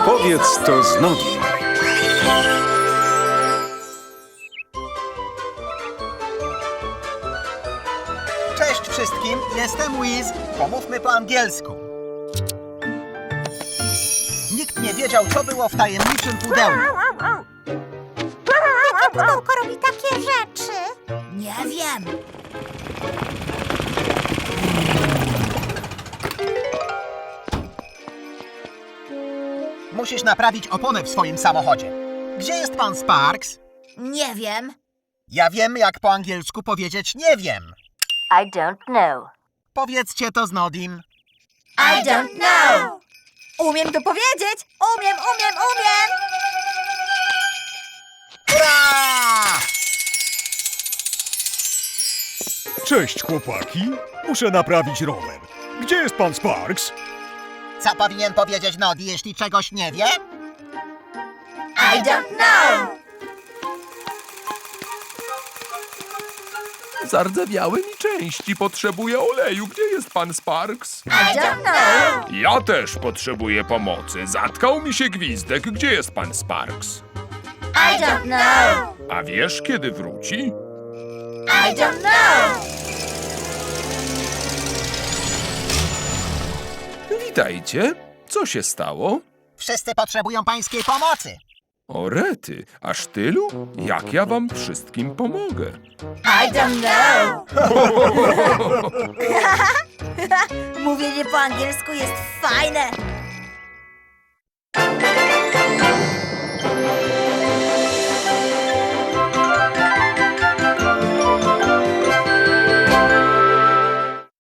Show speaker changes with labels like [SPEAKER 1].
[SPEAKER 1] Powiedz to z nogi.
[SPEAKER 2] Cześć wszystkim, jestem Wiz. Pomówmy po angielsku. Nikt nie wiedział, co było w tajemniczym pudełku.
[SPEAKER 3] Jakie pudełko robi takie rzeczy? Nie wiem.
[SPEAKER 2] Musisz naprawić oponę w swoim samochodzie. Gdzie jest pan Sparks?
[SPEAKER 3] Nie wiem.
[SPEAKER 2] Ja wiem, jak po angielsku powiedzieć nie wiem.
[SPEAKER 4] I don't know.
[SPEAKER 2] Powiedzcie to z Nodim.
[SPEAKER 3] I don't know. Umiem to powiedzieć. Umiem.
[SPEAKER 2] Hurra!
[SPEAKER 5] Cześć, chłopaki. Muszę naprawić rower. Gdzie jest pan Sparks?
[SPEAKER 2] Co powinien powiedzieć Nodi, jeśli czegoś nie wie?
[SPEAKER 3] I don't know.
[SPEAKER 6] Zardzewiały mi części, potrzebuję oleju. Gdzie jest pan Sparks?
[SPEAKER 3] I don't know.
[SPEAKER 6] Ja też potrzebuję pomocy. Zatkał mi się gwizdek. Gdzie jest pan Sparks?
[SPEAKER 3] I don't know.
[SPEAKER 6] A wiesz, kiedy wróci?
[SPEAKER 3] I don't know.
[SPEAKER 6] Witajcie. Co się stało?
[SPEAKER 2] Wszyscy potrzebują pańskiej pomocy.
[SPEAKER 6] O rety, aż tylu? Jak ja wam wszystkim pomogę?
[SPEAKER 3] I don't know. Mówienie po angielsku jest fajne.